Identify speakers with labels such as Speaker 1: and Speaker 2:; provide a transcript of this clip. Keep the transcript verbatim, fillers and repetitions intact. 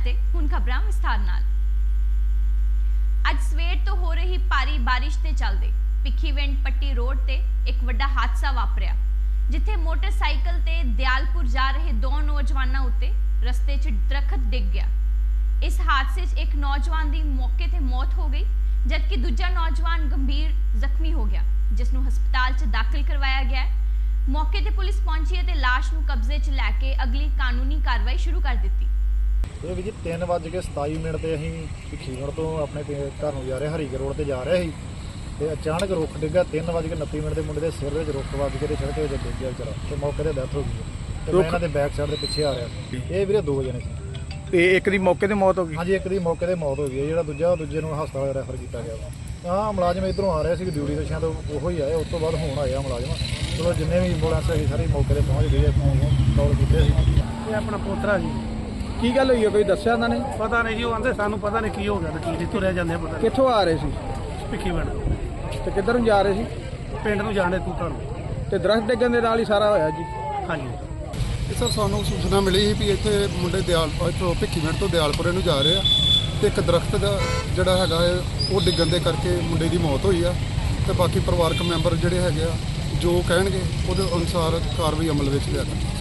Speaker 1: ਤੇ ਹੁਣ ਖਬਰਾਂ ਵਿਸਥਾਰ ਨਾਲ। ਅੱਜ ਸਵੇਰ ਤੋਂ ਹੋ ਰਹੀ ਭਾਰੀ ਬਾਰਿਸ਼ ਦੇ ਚੱਲਦੇ ਭਿੱਖੀਵਿੰਡ ਪੱਟੀ ਰੋਡ ਤੇ ਇੱਕ ਵੱਡਾ ਹਾਦਸਾ ਵਾਪਰਿਆ, ਜਿੱਥੇ ਮੋਟਰਸਾਈਕਲ ਤੇ ਦਿਆਲਪੁਰ ਜਾ ਰਹੇ ਦੋ ਨੌਜਵਾਨਾਂ ਉੱਤੇ ਰਸਤੇ 'ਚ ਦਰਖਤ ਡਿੱਗ ਗਿਆ। इस हादसे एक नौजवान की मौके ते मौत हो गई, जबकि दूजा नौजवान गंभीर जख्मी हो गया, जिसनूं हस्पताल च दाखिल करवाया गया है। मौके ते पुलिस पहुंची है ते लाश नूं कब्जे च लैके अगली कानूनी कार्रवाई शुरू कर दी।
Speaker 2: ਇਹ ਵੀ ਜੀ ਤਿੰਨ ਵੱਜ ਕੇ ਸਤਾਈ ਮਿੰਟ ਤੇ ਅਸੀਂ ਭਿੱਖੀਵਿੰਡ ਤੋਂ ਆਪਣੇ ਘਰ ਨੂੰ ਜਾ ਰਹੇ ਹਰੀਕੇ ਰੋਡ ਤੇ ਜਾ ਰਹੇ ਸੀ ਤੇ ਅਚਾਨਕ ਰੁੱਖ ਡਿੱਗਾ। ਤਿੰਨ ਵੱਜ ਕੇ ਉਨੱਤੀ ਮਿੰਟ ਦੇ ਮੁੰਡੇ ਦੇ ਸਿਰ ਵਿੱਚ ਰੁੱਖ ਵੱਜ ਕੇ ਤੇ ਸੜਕ ਵਿੱਚ ਡਿੱਗ ਗਿਆ ਵਿਚਾਰਾ ਤੇ ਮੌਕੇ ਤੇ ਡੈਥ ਹੋ ਗਈ ਤੇ ਮੈਂ ਇਹਨਾਂ ਦੇ ਬੈਕ ਸਾਈਡ ਦੇ ਪਿੱਛੇ ਆ ਰਿਹਾ ਸੀ। ਇਹ ਵੀਰੇ ਦੋ ਜਣੇ ਸੀ
Speaker 3: ਤੇ ਇੱਕ ਦੀ ਮੌਕੇ ਤੇ ਮੌਤ ਹੋ ਗਈ।
Speaker 2: ਹਾਂਜੀ, ਇੱਕ ਦੀ ਮੌਕੇ ਤੇ ਮੌਤ ਹੋ ਗਈ ਹੈ। ਜਿਹੜਾ ਦੂਜਾ ਦੂਜੇ ਨੂੰ ਹਸਪਤਾਲ ਰੈਫਰ ਕੀਤਾ ਗਿਆ ਵਾ। ਹਾਂ, ਮੁਲਾਜ਼ਮ ਇੱਧਰੋਂ ਆ ਰਹੇ ਸੀ ਡਿਊਟੀ ਤੋਂ, ਸ਼ਾਇਦ ਉਹੋ ਹੀ ਆਏ। ਉਸ ਤੋਂ ਬਾਅਦ ਹੁਣ ਆਇਆ ਮੁਲਾਜ਼ਮ। ਚਲੋ ਜਿੰਨੇ ਵੀ ਐਂਬੂਲੈਂਸ ਹੈਗੀ ਸਾਰੀ ਮੌਕੇ ਤੇ ਪਹੁੰਚ ਗਈ ਹੈ। ਕਾਲ ਕੀਤੇ ਸੀ।
Speaker 4: ਇਹ ਆਪਣਾ ਪੋਤਰਾ ਜੀ।
Speaker 3: ਕੀ ਗੱਲ ਹੋਈ ਹੈ, ਕੋਈ ਦੱਸਿਆ ਉਹਨਾਂ ਨੇ?
Speaker 4: ਪਤਾ ਨਹੀਂ ਜੀ, ਉਹ ਆਂਦੇ ਸਾਨੂੰ ਪਤਾ ਨਹੀਂ ਕੀ ਹੋ ਗਿਆ ਤੇ ਕੀ ਤੁਰਿਆ ਜਾਂਦੇ ਪਤਾ ਨਹੀਂ।
Speaker 3: ਕਿੱਥੋਂ ਆ ਰਹੇ ਸੀ?
Speaker 4: ਭਿੱਖੀਵਿੰਡ
Speaker 3: ਤੇ ਕਿੱਧਰ ਨੂੰ ਜਾ ਰਹੇ ਸੀ?
Speaker 4: ਪਿੰਡ ਨੂੰ ਜਾਣੇ ਤੂੰ ਤੁਹਾਨੂੰ।
Speaker 3: ਤੇ ਦਰਖਤ ਡਿੱਗਣ ਦੇ ਨਾਲ ਹੀ ਸਾਰਾ ਹੋਇਆ ਜੀ?
Speaker 4: ਹਾਂਜੀ
Speaker 5: ਸਰ, ਸਾਨੂੰ ਸੂਚਨਾ ਮਿਲੀ ਸੀ ਵੀ ਇੱਥੇ ਮੁੰਡੇ ਦਿਆਲਪੁਰ ਤੋਂ ਭਿੱਖੀਵਿੰਡ ਤੋਂ ਦਿਆਲਪੁਰੇ ਨੂੰ ਜਾ ਰਹੇ ਆ ਤੇ ਇੱਕ ਦਰਖਤ ਦਾ ਜਿਹੜਾ ਹੈਗਾ ਹੈ ਉਹ ਡਿੱਗਣ ਦੇ ਕਰਕੇ ਮੁੰਡੇ ਦੀ ਮੌਤ ਹੋਈ ਆ ਤੇ ਬਾਕੀ ਪਰਿਵਾਰਕ ਮੈਂਬਰ ਜਿਹੜੇ ਹੈਗੇ ਆ ਜੋ ਕਹਿਣਗੇ ਉਹਦੇ ਅਨੁਸਾਰ ਕਾਰਵਾਈ ਅਮਲ ਵਿੱਚ ਲਿਆ